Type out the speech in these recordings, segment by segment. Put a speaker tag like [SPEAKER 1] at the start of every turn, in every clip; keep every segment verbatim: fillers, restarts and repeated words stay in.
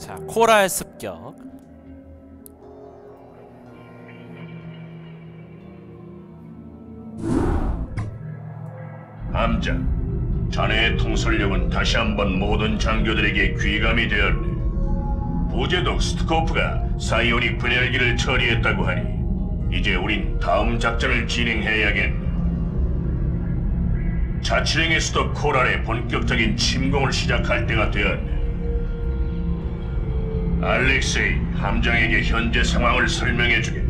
[SPEAKER 1] 자, 코랄 습격.
[SPEAKER 2] 함장, 자네의 통솔력은 다시 한번 모든 장교들에게 귀감이 되었네. 부제독 스트코프가 사이오닉 분열기를 처리했다고 하니 이제 우린 다음 작전을 진행해야겠네. 자치령의 수도 코랄의 본격적인 침공을 시작할 때가 되었네. 알렉세이, 함장에게 현재 상황을 설명해주게.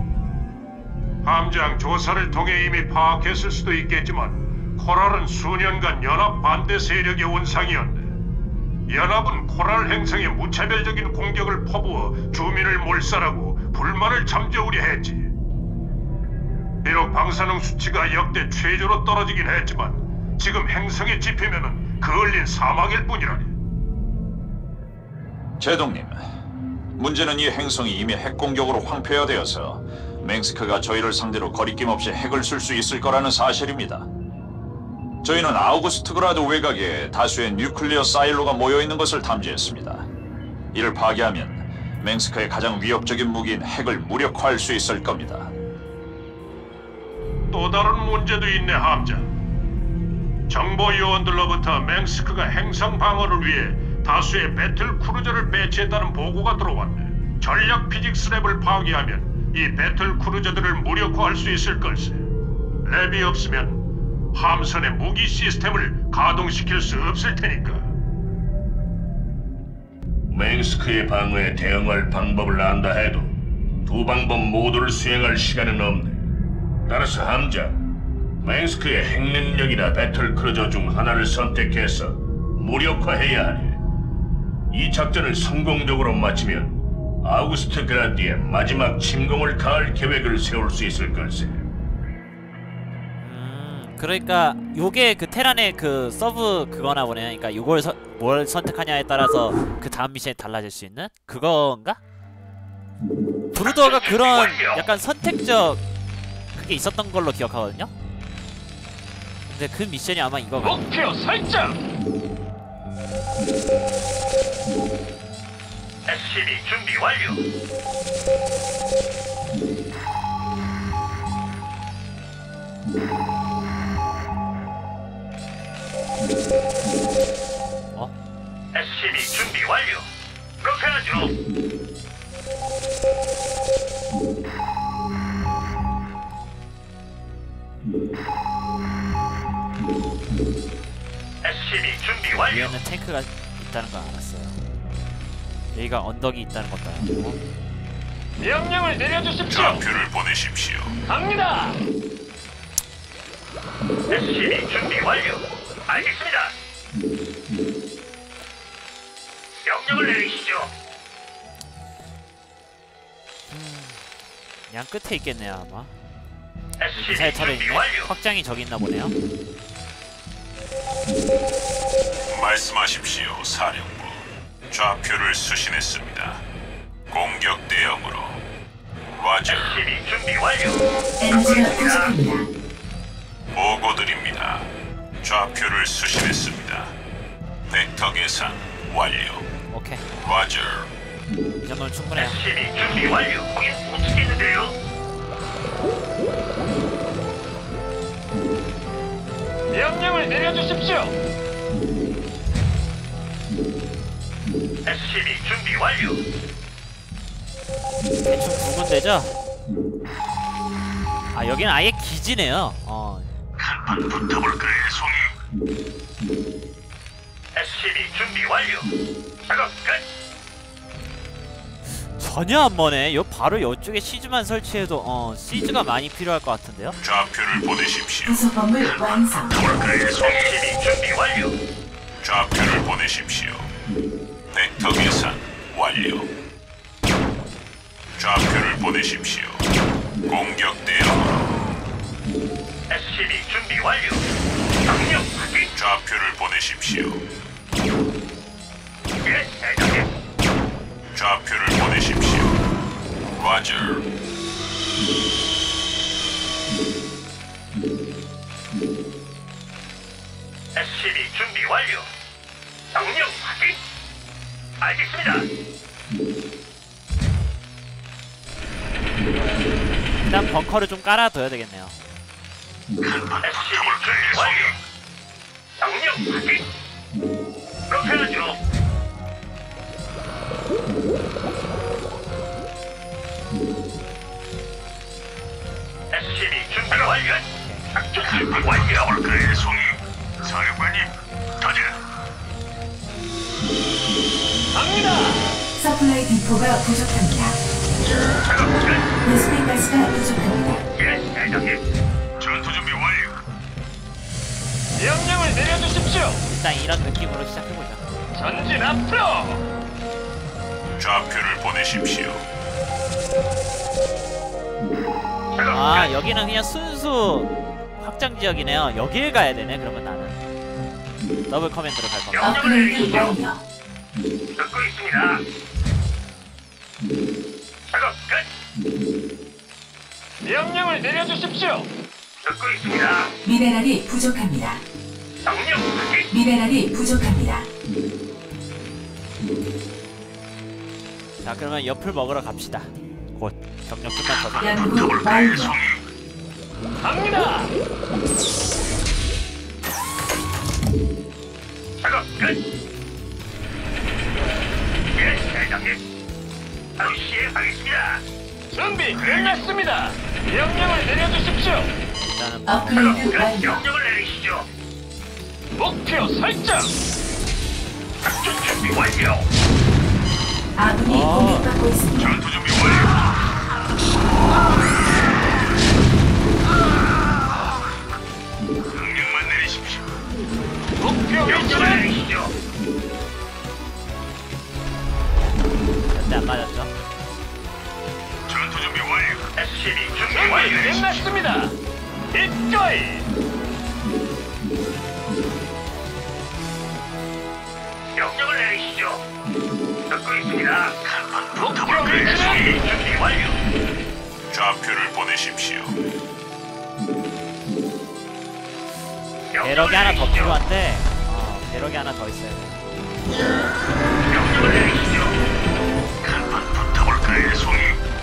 [SPEAKER 3] 함장, 조사를 통해 이미 파악했을 수도 있겠지만 코랄은 수년간 연합 반대 세력의 온상이었네. 연합은 코랄 행성에 무차별적인 공격을 퍼부어 주민을 몰살하고 불만을 잠재우려 했지. 비록 방사능 수치가 역대 최저로 떨어지긴 했지만 지금 행성에 집히면은 그을린 사막일 뿐이라니.
[SPEAKER 4] 제동님, 문제는 이 행성이 이미 핵 공격으로 황폐화되어서 맹스크가 저희를 상대로 거리낌 없이 핵을 쓸 수 있을 거라는 사실입니다. 저희는 아우구스트그라드 외곽에 다수의 뉴클리어 사일로가 모여있는 것을 탐지했습니다. 이를 파괴하면 맹스크의 가장 위협적인 무기인 핵을 무력화할 수 있을 겁니다.
[SPEAKER 3] 또 다른 문제도 있네, 함장. 정보 요원들로부터 맹스크가 행성 방어를 위해 다수의 배틀 크루저를 배치했다는 보고가 들어왔네. 전략 피직스 랩을 파괴하면 이 배틀 크루저들을 무력화할 수 있을 걸세. 랩이 없으면 함선의 무기 시스템을 가동시킬 수 없을 테니까.
[SPEAKER 2] 맹스크의 방어에 대응할 방법을 안다 해도 두 방법 모두를 수행할 시간은 없네. 따라서 함장, 맹스크의 핵능력이나 배틀 크루저 중 하나를 선택해서 무력화해야 하네. 이 작전을 성공적으로 마치면 아우구스트 그라드의 마지막 침공을 가할 계획을 세울 수 있을 걸세.
[SPEAKER 1] 그러니까 요게 그 테란의 그 서브 그거나 보네. 그러니까 요걸 서, 뭘 선택하냐에 따라서 그 다음 미션이 달라질 수 있는 그건가? 브루더가 그런 약간 선택적 그게 있었던 걸로 기억하거든요. 근데 그 미션이 아마 이거가.
[SPEAKER 3] 목표 설정. 에스씨비 준비 완료.
[SPEAKER 1] 어?
[SPEAKER 3] 에스씨비 준비 완료. 그렇게 하죠. 에스씨비 준비 완료.
[SPEAKER 1] 위에는 탱크가 있다는 거 알았어요. 여기가 언덕이 있다는 것도 알았고.
[SPEAKER 3] 명령을 내려주십시오.
[SPEAKER 4] 좌표를 보내십시오.
[SPEAKER 3] 갑니다. 에스씨비 준비 완료. 알겠습니다. 명령을 내리시죠.
[SPEAKER 1] 양 끝에 있겠네요 아마.
[SPEAKER 3] 에스씨비
[SPEAKER 1] 미사일 터렛
[SPEAKER 3] 준비
[SPEAKER 1] 있네.
[SPEAKER 3] 완료.
[SPEAKER 1] 확장이 저기 있나 보네요.
[SPEAKER 4] 말씀하십시오, 사령부. 좌표를 수신했습니다. 공격 대응으로. 와저.
[SPEAKER 3] 에스씨비 준비 완료.
[SPEAKER 5] 엔지가 부족합니다.
[SPEAKER 4] 보고드립니다. 좌표를 수신했습니다. 벡터 계산 완료.
[SPEAKER 1] 오케이.
[SPEAKER 4] 와저.
[SPEAKER 1] 이 정도면 충분해요.
[SPEAKER 3] 에스씨비 준비 완료. 거긴 못 치겠는데요. 명령을 내려주십시오. 에스씨비 준비 완료.
[SPEAKER 1] 대충 두 군데죠? 아 여기는 아예 기지네요. 어.
[SPEAKER 3] 한판 붙어볼까요, 송이? 에스씨비 준비 완료. 작업 끝.
[SPEAKER 1] 전혀 안 머네. 요 바로 요쪽에 시즈만 설치해도 어 시즈가 많이 필요할 것 같은데요.
[SPEAKER 4] 좌표를 보내십시오.
[SPEAKER 5] 부속 건물 완성.
[SPEAKER 3] 붙어볼까요, 송이? 에스씨비 준비 완료.
[SPEAKER 4] 좌표를 보내십시오. 벡터 계산 완료. 좌표를 보내십시오. 공격 대응으로.
[SPEAKER 3] 에스씨비 준비 완료. 명령 확인.
[SPEAKER 4] 좌표를 보내십시오.
[SPEAKER 3] 예, 대장님.
[SPEAKER 4] 좌표를 보내십시오. 과저.
[SPEAKER 3] 에스씨비 준비 완료. 명령 확인.
[SPEAKER 2] 알겠습니다.
[SPEAKER 1] 일단 벙커를 좀 깔아둬야 되겠네요.
[SPEAKER 2] 에스씨비 준비 완료. 명령 확인. 그렇게 하죠. 에스씨비 준비 완료. 작전 준비 완료. 볼까요, 송이? 사령관님, 가자. 갑니다.
[SPEAKER 5] 서플라이 디포가 부족합니다.
[SPEAKER 2] 작업 끝.
[SPEAKER 5] 베스핀 가스가 부족합니다.
[SPEAKER 2] 예, 대장님. 전투 준비 완료. 명령을 내려주십시오.
[SPEAKER 1] 일단 이런 느낌으로 시작해보자.
[SPEAKER 2] 전진 앞으로. 좌표를 보내십시오.
[SPEAKER 1] 아 여기는 그냥 순수 확장 지역이네요. 여길 가야 되네. 그러면 나는 더블 커맨드로 갈 겁니다.
[SPEAKER 5] 업그레이드 완료.
[SPEAKER 2] 듣고 있습니다. 작업 끝. 명령을 내려주십시오. 듣고 있습니다.
[SPEAKER 5] 미네랄이 부족합니다.
[SPEAKER 2] 명령 확인.
[SPEAKER 5] 미네랄이 부족합니다.
[SPEAKER 1] 자 그러면 옆을 먹으러 갑시다. 곧 경력 끝난 더.
[SPEAKER 5] 연구 완료.
[SPEAKER 2] 갑니다. 작업 끝. 예, 대장님. 바로 시행하겠습니다. 준비 끝났습니다. 명령을 내려주십시오.
[SPEAKER 1] 일단은 뭐
[SPEAKER 5] 업그레이드 완료.
[SPEAKER 2] 명령을 내리시죠. 목표 설정. 작전 준비 완료.
[SPEAKER 5] 아군이
[SPEAKER 1] 어.
[SPEAKER 5] 공격받고 있습니다.
[SPEAKER 2] 전투 준비 완료. 명령만 내리십시오. 목표 위치를 내리시죠.
[SPEAKER 1] 절대 안 맞았죠.
[SPEAKER 2] 전투 준비 완료. 에스씨비 준비 완료. 끝났습니다. 이거이. 명령을 내리시죠. 듣고 있습니다. 목표 위치는 준비 완료. 좌표를 보내십시오.
[SPEAKER 1] 배럭이 하나 더 필요한데 어, 배럭이 하나 더 있어야 돼.
[SPEAKER 2] 명령을 내리시죠. 간판 붙어볼까요, 송이?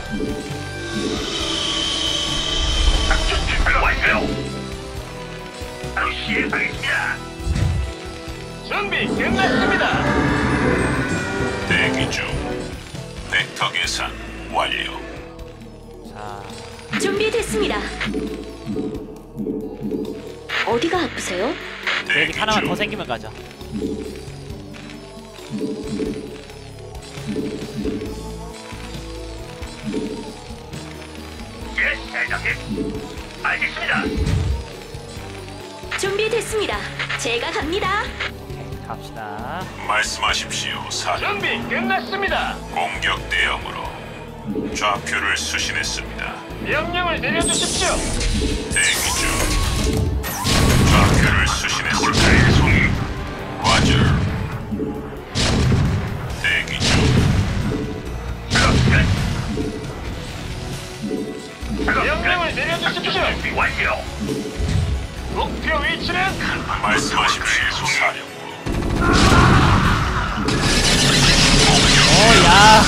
[SPEAKER 2] 작전 준비 완료. 바로 시행하겠습니다. 준비 끝났습니다. 대기 중. 벡터 계산 완료.
[SPEAKER 1] 자
[SPEAKER 6] 준비됐습니다. 어디가 아프세요?
[SPEAKER 1] 계획이 하나만 더 생기면 가죠.
[SPEAKER 2] 예, 대장님. 알겠습니다.
[SPEAKER 6] 준비됐습니다. 제가 갑니다.
[SPEAKER 1] 오케이, 갑시다.
[SPEAKER 2] 말씀하십시오, 사령. 준비 끝났습니다. 공격 대응으로 좌표를 수신했습니다. 명령을 내려주십시오. 대기 중. 좌표를 수신했습니다. 송이. 과절. 대기 중. 작업 끝. 명령을 내려주십시오. 준비 완료. 목표 위치는 말씀하십시오, 사령부.
[SPEAKER 1] 오야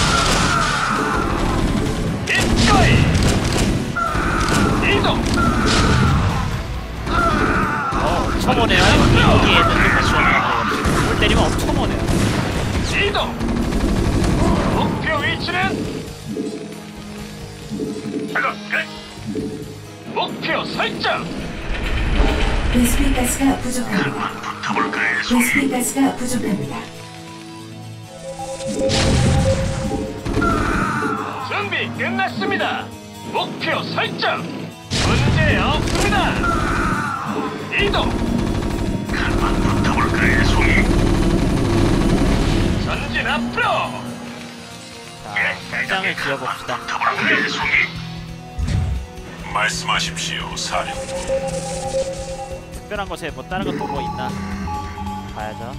[SPEAKER 2] 이거이. 이동.
[SPEAKER 1] 어 엄청 오네요. 여기 애들 좀 볼 때리면 엄청 오네요.
[SPEAKER 2] 이동. 목표 위치는 작업 끝. 목표 설정.
[SPEAKER 5] 베스핀 가스가 부족합니다.
[SPEAKER 2] 붙어볼까요,
[SPEAKER 5] 베스핀 가스가 부족합니다.
[SPEAKER 2] 준비 끝났습니다. 목표 설정. 문제 없습니다. 이동. 간판 붙어볼까요, 송이? 전진 앞으로.
[SPEAKER 1] 자 확장을 지어봅시다.
[SPEAKER 2] 붙어볼까요, 송이? 말씀하십시오, 사령부.
[SPEAKER 1] 특별한 곳에 뭐 다른 것도 뭐 있나 봐야죠.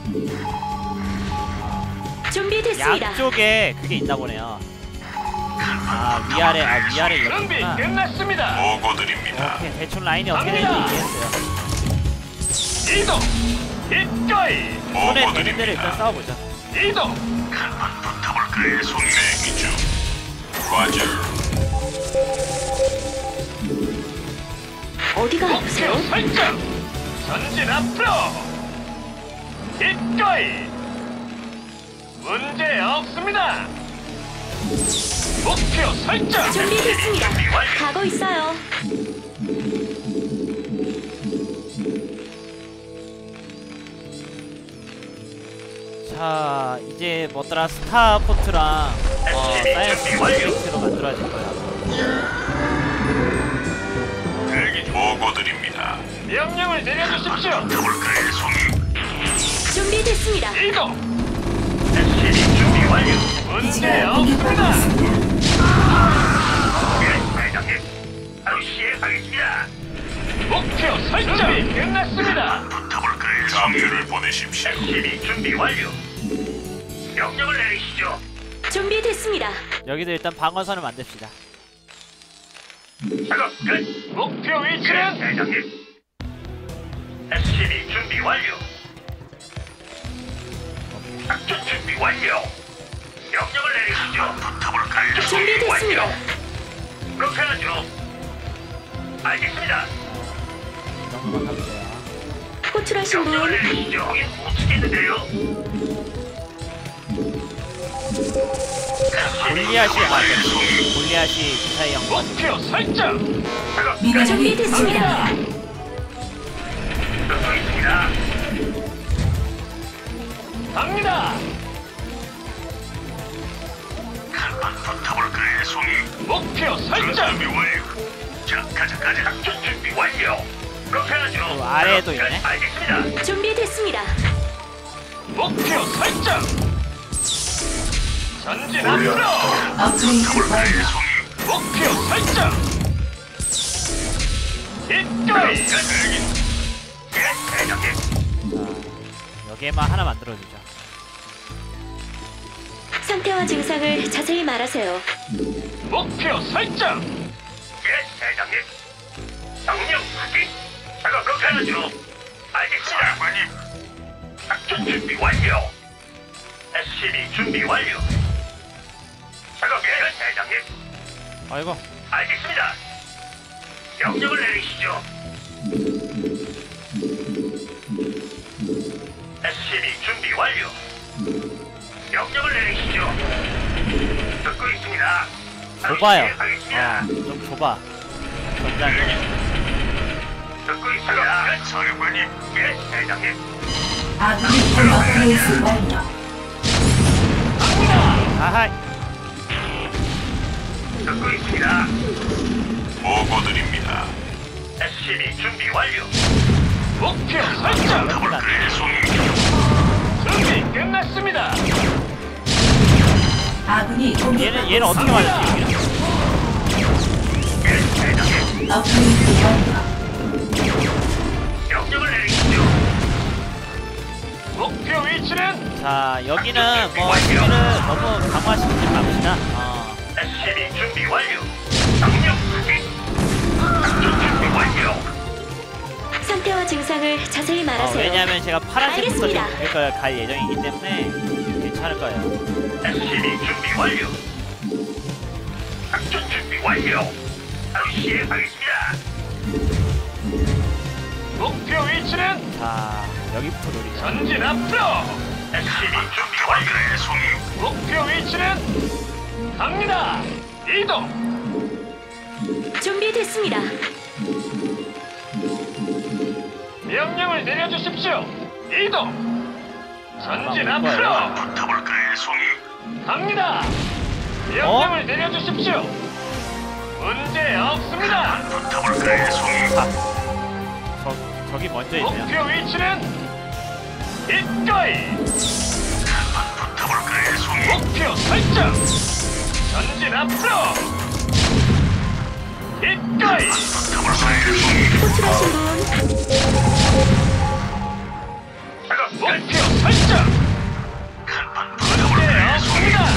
[SPEAKER 6] 준비됐습니다.
[SPEAKER 1] 양쪽에 그게 있나 보네요. 아 위아래 아 위아래
[SPEAKER 2] 준비
[SPEAKER 1] 이렇구나.
[SPEAKER 2] 끝났습니다. 보고 드립니다.
[SPEAKER 1] 오케이 대충 라인이 어떻게 되는지 이해했어요.
[SPEAKER 2] 이동. 이거이.
[SPEAKER 1] 손에 되는 대로 일단 싸워보자.
[SPEAKER 3] 이동.
[SPEAKER 2] 한번 붙어볼까요, 송이? 대기 중. 과절.
[SPEAKER 6] 어디가
[SPEAKER 3] 목표
[SPEAKER 6] 아프세요?
[SPEAKER 3] 설정. 전진 앞으로. 기꺼이. 문제 없습니다. 목표 설정.
[SPEAKER 6] 준비됐습니다. 가고 있어요.
[SPEAKER 1] 자 이제 뭐더라 스타포트랑 어 사이언스 스페이스로 만들어질 거야.
[SPEAKER 2] 대기 보고드립니다.
[SPEAKER 3] 명령을 내려주십시오.
[SPEAKER 2] 붙어볼까요, 송이?
[SPEAKER 6] 준비됐습니다.
[SPEAKER 3] 이동. 에스씨비 준비 완료. 문제
[SPEAKER 5] 기지가 공격받고
[SPEAKER 3] 없습니다.
[SPEAKER 5] 있습니다.
[SPEAKER 2] 예, 대장님. 바로 시행하겠습니다.
[SPEAKER 3] 목표 설정. 준비 끝났습니다.
[SPEAKER 2] 붙어볼까요, 장주를 보내십시오. 에스씨비 준비 완료. 명령을 내리시죠.
[SPEAKER 6] 준비됐습니다.
[SPEAKER 1] 여기도 일단 방어선을 만듭시다.
[SPEAKER 2] 작업 끝.
[SPEAKER 3] 목표 위치는
[SPEAKER 2] 대장님. 에스씨비 준비 완료. 작전 준비 완료. 명령을 내리시죠. 붙어볼까요?
[SPEAKER 6] 준비됐습니다.
[SPEAKER 2] 그렇게 하죠. 알겠습니다.
[SPEAKER 1] 이 정도만 하면 돼요.
[SPEAKER 6] 호출하신
[SPEAKER 2] 명령을
[SPEAKER 6] 분
[SPEAKER 2] 내리시죠. 거긴 못 치겠는데요.
[SPEAKER 1] 골리앗이 아 네. 골리앗이 기사의 영광.
[SPEAKER 3] 목표 설정.
[SPEAKER 5] 미네랄이
[SPEAKER 6] 준비됐습니다.
[SPEAKER 2] 듣고 있습니다.
[SPEAKER 3] 갑니다.
[SPEAKER 2] 한번 붙어볼까요, 송이?
[SPEAKER 3] 목표 설정.
[SPEAKER 2] 준비 완료. 자, 가자, 가자. 작전 준비 완료. 그렇게 하죠.
[SPEAKER 1] 그 아래에도 있네.
[SPEAKER 2] 알겠습니다.
[SPEAKER 6] 준비됐습니다.
[SPEAKER 3] 목표 설정. 전진 앞으로.
[SPEAKER 5] 업그레이드 완료.
[SPEAKER 2] 송이.
[SPEAKER 3] 목표 설정. 기꺼이.
[SPEAKER 2] 예, 대장님.
[SPEAKER 1] 여기에만 하나 만들어주죠.
[SPEAKER 6] 상태와 증상을 자세히 말하세요.
[SPEAKER 3] 목표 설정.
[SPEAKER 2] 예, 대장님. 명령 확인. 작업 그렇게 하죠. 알겠습니다, 장관님. 작전 준비 완료. 에스씨비 준비 완료. 작업 예, 대장님.
[SPEAKER 1] 아이고
[SPEAKER 2] 알겠습니다. 명령을 내리시죠. 에스씨비 준비 완료. 명령을 내리시죠. 듣고 있습니다.
[SPEAKER 1] 좁아요.
[SPEAKER 2] 하겠습니다.
[SPEAKER 1] 어좀 좁아. 전장이.
[SPEAKER 2] 듣고 있습니다. 사령관님, 예, 대장님.
[SPEAKER 5] 아군이 본 업그레이드 완료.
[SPEAKER 1] 아하.
[SPEAKER 2] 듣고 있습니다. 보고드립니다. 에스씨비 준비 완료.
[SPEAKER 3] 목표 설정.
[SPEAKER 2] 더블클의 송이.
[SPEAKER 3] 준비 끝났습니다.
[SPEAKER 5] 아군이 공격받고
[SPEAKER 1] 얘는 얘는 어떻게
[SPEAKER 5] 있습니다.
[SPEAKER 1] 맞을지.
[SPEAKER 2] 예, 대장님.
[SPEAKER 5] 업그레이드 완료.
[SPEAKER 2] 명령을 내리시죠.
[SPEAKER 3] 목표 위치는
[SPEAKER 1] 자 여기는 뭐 수비를 너무 강화시키지 맙시다. 어.
[SPEAKER 2] 에스씨비 준비 완료. 명령 확인. 작전 준비 완료.
[SPEAKER 6] 상태와 증상을 자세히
[SPEAKER 1] 어,
[SPEAKER 6] 말하세요.
[SPEAKER 1] 왜냐하면 제가 파란색부터
[SPEAKER 6] 알겠습니다.
[SPEAKER 1] 지금 갈, 갈 예정이기 때문에 괜찮을 거예요.
[SPEAKER 2] 에스씨비 준비 완료. 작전 준비 완료. 바로 시행하겠습니다.
[SPEAKER 3] 목표 위치는
[SPEAKER 1] 자 여기부터 노리자.
[SPEAKER 3] 전진 앞으로.
[SPEAKER 2] 에스씨비 준비 완료. 송이.
[SPEAKER 3] 목표 위치는 갑니다. 이동.
[SPEAKER 6] 준비됐습니다.
[SPEAKER 3] 명령을 내려주십시오. 이동. 전진 앞으로.
[SPEAKER 2] 붙어볼까요, 송이?
[SPEAKER 3] 갑니다. 명령을 내려주십시오. 문제 없습니다.
[SPEAKER 2] 붙어볼까요, 송이?
[SPEAKER 1] 저 저기 먼저 있네요.
[SPEAKER 3] 목표 위치는 기꺼이.
[SPEAKER 2] 붙어볼까요, 송이?
[SPEAKER 3] 목표 설정. 전진 앞으로. 기꺼이.
[SPEAKER 2] 붙어볼까요, 송이?
[SPEAKER 6] 호출하신 분
[SPEAKER 2] 작업
[SPEAKER 3] 목표 설정.
[SPEAKER 2] 한판
[SPEAKER 3] 문제
[SPEAKER 2] 붙어볼까요, 송이?
[SPEAKER 3] 없습니다.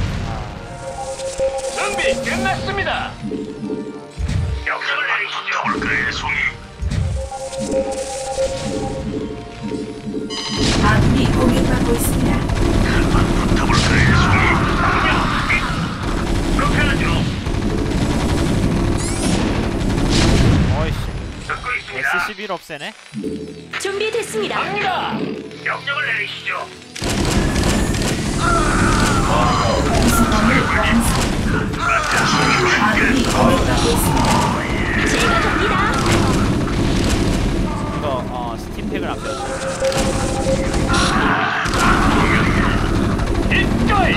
[SPEAKER 3] 준비 끝났습니다.
[SPEAKER 2] 명령을 내리시죠. 붙어볼까요, 송이?
[SPEAKER 5] 아군이 공격받고 있습니다.
[SPEAKER 1] 필요 없애네.
[SPEAKER 6] 준비됐습니다.
[SPEAKER 3] 갑니다. 명령을 내리시죠.
[SPEAKER 5] 아군이 공격받고 있습니다.
[SPEAKER 6] 제가 갑니다.
[SPEAKER 1] 이거 어 스팀팩을 아껴.
[SPEAKER 3] 이거이.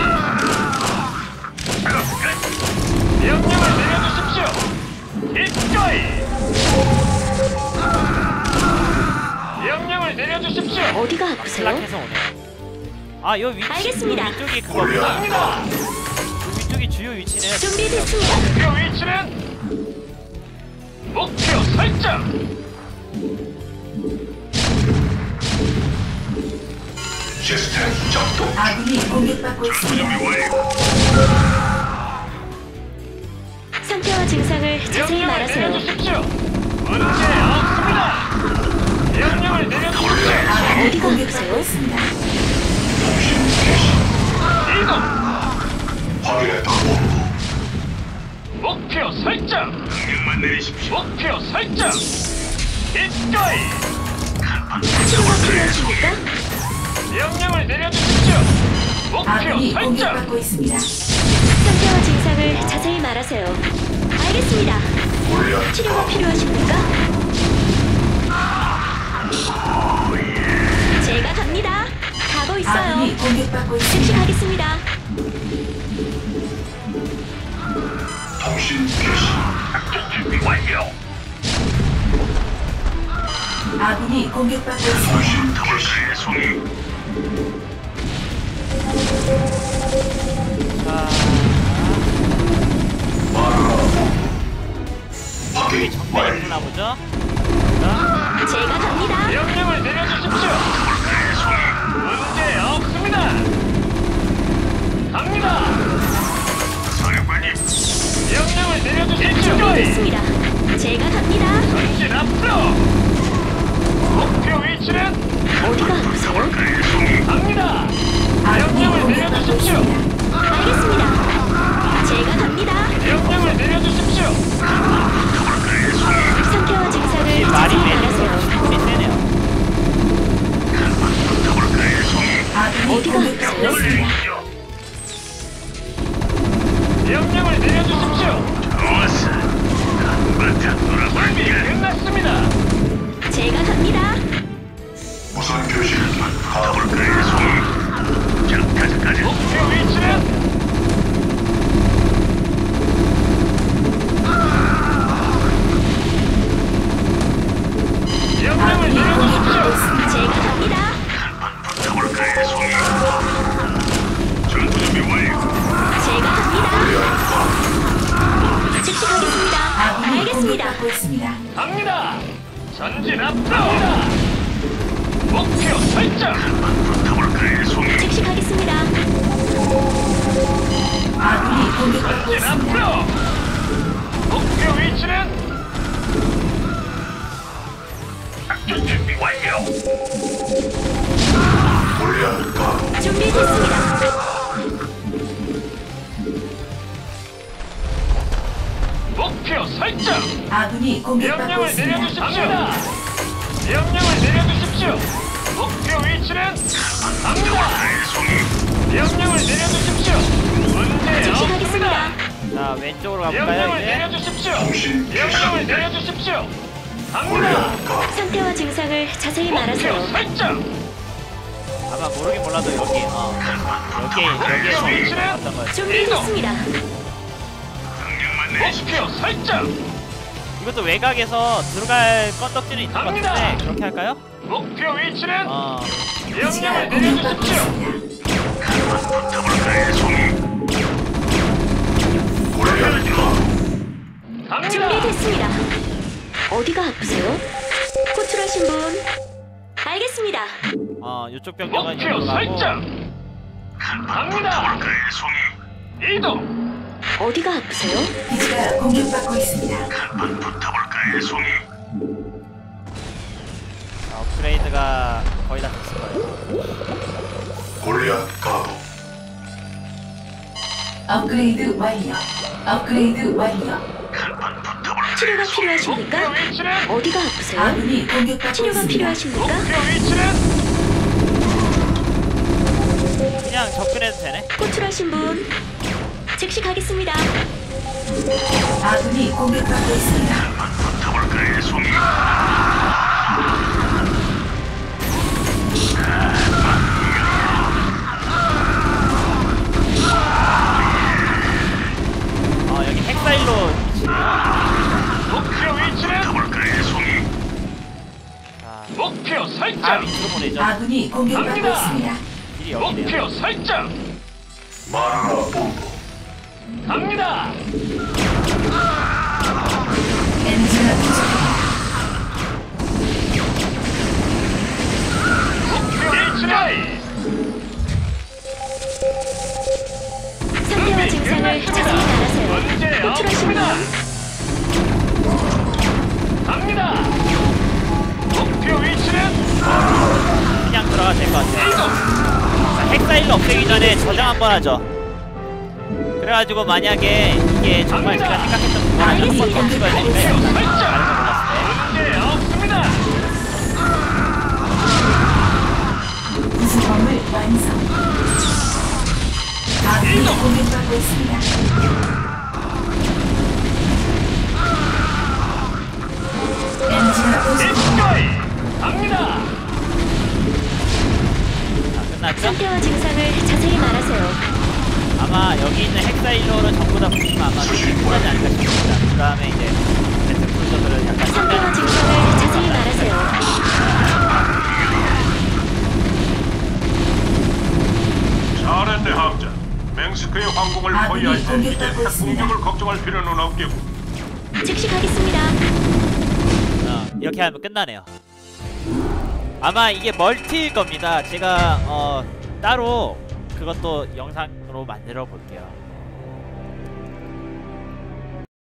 [SPEAKER 3] 명령을 내려주십시오. 이거이. 명령을 내려주십시오.
[SPEAKER 6] 어디가 아프세요?
[SPEAKER 1] 슬락해서 오네. 아, 요 위치
[SPEAKER 6] 알겠습니다.
[SPEAKER 1] 요 위쪽이 그거구나.
[SPEAKER 3] 갑니다.
[SPEAKER 1] 위쪽이 주요 위치네.
[SPEAKER 6] 준비됐습니다.
[SPEAKER 3] 목표 위치는 목표 설정.
[SPEAKER 2] 시스템 작동.
[SPEAKER 5] 아군이 공격받고 있습니다.
[SPEAKER 6] 상태와 증상을 자세히
[SPEAKER 3] 명령을
[SPEAKER 6] 말하세요.
[SPEAKER 3] 내려주십시오. 문제 없습니다. 명령을 내려주십시오.
[SPEAKER 5] 아군이
[SPEAKER 6] 어디가
[SPEAKER 5] 공격받고
[SPEAKER 6] 아프세요?
[SPEAKER 5] 있습니다.
[SPEAKER 3] 이동.
[SPEAKER 2] 확인했다 본부.
[SPEAKER 3] 목표 설정.
[SPEAKER 2] 명령만 내리십시오.
[SPEAKER 3] 목표 설정. 이거이.
[SPEAKER 6] 치료가 필요하십니까?
[SPEAKER 3] 명령을 내려주십시오. 목표
[SPEAKER 5] 아군이
[SPEAKER 3] 설정.
[SPEAKER 5] 공격받고 있습니다.
[SPEAKER 6] 상태와 증상을 자세히 말하세요. 알겠습니다.
[SPEAKER 2] 골리앗
[SPEAKER 6] 치료가 필요하십니까? 제가 갑니다. 가고 있어요.
[SPEAKER 5] 아군이 공격받고
[SPEAKER 6] 즉시
[SPEAKER 5] 있습니다.
[SPEAKER 6] 가겠습니다.
[SPEAKER 2] 통신 개시. 준비 완료.
[SPEAKER 5] 아군이 공격받고 있습니다.
[SPEAKER 2] 통신 개시. 송이.
[SPEAKER 1] 아,
[SPEAKER 2] 확인 완료.
[SPEAKER 1] 되나 보죠?
[SPEAKER 6] 제가 갑니다.
[SPEAKER 3] 명령을 내려주십시오. 문제 없습니다. 갑니다.
[SPEAKER 2] 사령관님.
[SPEAKER 3] 명령을 내려주십시오.
[SPEAKER 6] 준비됐습니다. 제가 갑니다.
[SPEAKER 3] 전진 앞으로. 목표 위치는
[SPEAKER 6] 어디가 아프세요?
[SPEAKER 3] 갑니다.
[SPEAKER 5] 아군이
[SPEAKER 3] 명령을
[SPEAKER 5] 공격받고
[SPEAKER 3] 내려주십시오.
[SPEAKER 5] 있습니다.
[SPEAKER 6] 알겠습니다. 제가 갑니다.
[SPEAKER 3] 명령을 내려주십시오.
[SPEAKER 6] 상태와 증상을
[SPEAKER 1] 이 말이
[SPEAKER 6] 자세히
[SPEAKER 1] 매는
[SPEAKER 6] 말하세요.
[SPEAKER 1] 힘이 세네요.
[SPEAKER 5] 아군이
[SPEAKER 6] 어디가
[SPEAKER 5] 공격받고
[SPEAKER 6] 아프세요?
[SPEAKER 5] 있습니다.
[SPEAKER 3] 명령을 내려주십시오. 준비 끝났습니다.
[SPEAKER 6] 제가 갑니다.
[SPEAKER 2] 무선 교신 가볼까요, 송이? 자, 가자, 가자.
[SPEAKER 3] 목표 위치는 명령을
[SPEAKER 5] 아군이 공격받고
[SPEAKER 3] 내려주십시오.
[SPEAKER 5] 있습니다.
[SPEAKER 6] 제가 갑니다.
[SPEAKER 2] 가볼까요, 송이? 전투 준비 완료.
[SPEAKER 6] 제가 갑니다. 즉시 가겠습니다.
[SPEAKER 5] 아군이
[SPEAKER 6] 알겠습니다.
[SPEAKER 5] 공격받고 있습니다.
[SPEAKER 3] 갑니다. 전진 앞으로. 목표 설정.
[SPEAKER 2] 가볼까요, 송이?
[SPEAKER 6] 즉시 가겠습니다.
[SPEAKER 5] 아군이 공격받고
[SPEAKER 3] 전진
[SPEAKER 5] 있습니다.
[SPEAKER 3] 앞으로. 목표 위치는
[SPEAKER 2] 작전 준비 완료. 골리앗 가도.
[SPEAKER 6] 준비됐습니다.
[SPEAKER 3] 목표 설정.
[SPEAKER 5] 아군이 공격받고
[SPEAKER 3] 명령을
[SPEAKER 5] 있습니다.
[SPEAKER 3] 내려주십시오. 명령을 내려주십시오. 목표 위치는 갑니다. 명령을 내려주십시오. 문제
[SPEAKER 6] 즉시
[SPEAKER 3] 없습니다.
[SPEAKER 6] 가겠습니다.
[SPEAKER 1] 자, 왼쪽으로 가볼까요,
[SPEAKER 3] 명령을
[SPEAKER 1] 이제?
[SPEAKER 3] 내려주십시오.
[SPEAKER 2] 통신
[SPEAKER 3] 명령을
[SPEAKER 2] 개시.
[SPEAKER 3] 내려주십시오. 갑니다.
[SPEAKER 2] 골리앗 가도.
[SPEAKER 6] 상태와 증상을 자세히
[SPEAKER 3] 목표
[SPEAKER 6] 말하세요.
[SPEAKER 3] 설정.
[SPEAKER 1] 아마 모르긴 몰라도 여기, 어, 여기, 여기에서 봤던 거예요.
[SPEAKER 6] 준비됐습니다.
[SPEAKER 2] 명령만 내리십시오.
[SPEAKER 3] 목표 설정.
[SPEAKER 1] 이것도 외곽에서 들어갈 건덕지는 있는 것
[SPEAKER 3] 갑니다.
[SPEAKER 1] 같은데 그렇게 할까요?
[SPEAKER 3] 목표 위치는
[SPEAKER 1] 어,
[SPEAKER 5] 기지가
[SPEAKER 3] 명령을
[SPEAKER 5] 공격받고
[SPEAKER 3] 내려주십시오.
[SPEAKER 5] 있습니다.
[SPEAKER 2] 가볼까요, 송이? 골리앗 가도.
[SPEAKER 3] 갑니다.
[SPEAKER 6] 준비됐습니다. 어디가 아프세요? 호출하신 분. 알겠습니다.
[SPEAKER 1] 어, 이쪽 병력은
[SPEAKER 3] 목표
[SPEAKER 1] 여기로 가고
[SPEAKER 3] 설정. 갑니다.
[SPEAKER 2] 송이.
[SPEAKER 3] 이동.
[SPEAKER 6] 어디가 아프세요?
[SPEAKER 5] 기지가 공격받고 있습니다.
[SPEAKER 2] 한번 붙어볼까요, 송이?
[SPEAKER 1] 어, 업그레이드가 거의 다 됐을 거예요.
[SPEAKER 2] 골리앗 가도.
[SPEAKER 5] 업그레이드 완료. 업그레이드 완료.
[SPEAKER 2] 한번 붙어볼까요?
[SPEAKER 6] 치료가 필요하십니까? 어디가 아프세요?
[SPEAKER 5] 아군이 공격받고
[SPEAKER 6] 치료가
[SPEAKER 5] 있습니다.
[SPEAKER 6] 필요하십니까?
[SPEAKER 1] 그냥 접근해도 되네.
[SPEAKER 6] 호출하신 분 즉시 가겠습니다.
[SPEAKER 5] 아군이 공격받고 있습니다.
[SPEAKER 2] 붙어볼까요, 송이?
[SPEAKER 1] 어 여기 핵사일로
[SPEAKER 2] 붙어볼까요, 송이?
[SPEAKER 1] 자,
[SPEAKER 7] 목표
[SPEAKER 1] 다
[SPEAKER 7] 설정.
[SPEAKER 1] 밑으로 보내죠.
[SPEAKER 5] 아군이 공격받고 있습니다.
[SPEAKER 1] 길이 여기네요.
[SPEAKER 7] 목표 설정.
[SPEAKER 2] 마라 본부.
[SPEAKER 7] 갑니다.
[SPEAKER 5] 에너지가 부족합니다.
[SPEAKER 7] 일치라이.
[SPEAKER 6] 상태와 증상을 자세히 말하세요.
[SPEAKER 7] 문제
[SPEAKER 6] 호출하신 분
[SPEAKER 7] 없습니다. 갑니다. 목표 위치는
[SPEAKER 1] 그냥 들어가도 될 것 같아요. 자, 핵사일로 없애기 전에 저장 한번 하죠. 그래가지고 만약에 이게 정말 제가 생각했던 그거랑 한번 더 찍어야 되니까 일단 다른 거 몰랐을 때
[SPEAKER 7] 문제 없습니다.
[SPEAKER 5] 구성범을 완성. 아군이 공격받고 있습니다. 에너지가 부족합니다.
[SPEAKER 7] 일치라이. 갑니다.
[SPEAKER 1] 자, 끝났죠?
[SPEAKER 6] 상태와 증상을 자세히 말하세요.
[SPEAKER 1] 아마 여기 있는 핵사일로를 전부 다 붙이면 아마 끝나지 않을까 싶습니다. 그 다음에 이제 배틀크루저들은 약간
[SPEAKER 6] 상태와 증상을 자세히 말하세요.
[SPEAKER 3] 잘했네, 함자. 맹스크의 황궁을
[SPEAKER 5] 아군이
[SPEAKER 3] 포위할 때 이제
[SPEAKER 5] 공격받고
[SPEAKER 3] 핵
[SPEAKER 5] 있습니다.
[SPEAKER 3] 공격을 걱정할 필요는 없겠고.
[SPEAKER 6] 즉시 가겠습니다.
[SPEAKER 1] 어, 이렇게 하면 끝나네요. 아마 이게 멀티일 겁니다. 제가 어, 따로 그것도 영상으로 만들어 볼게요.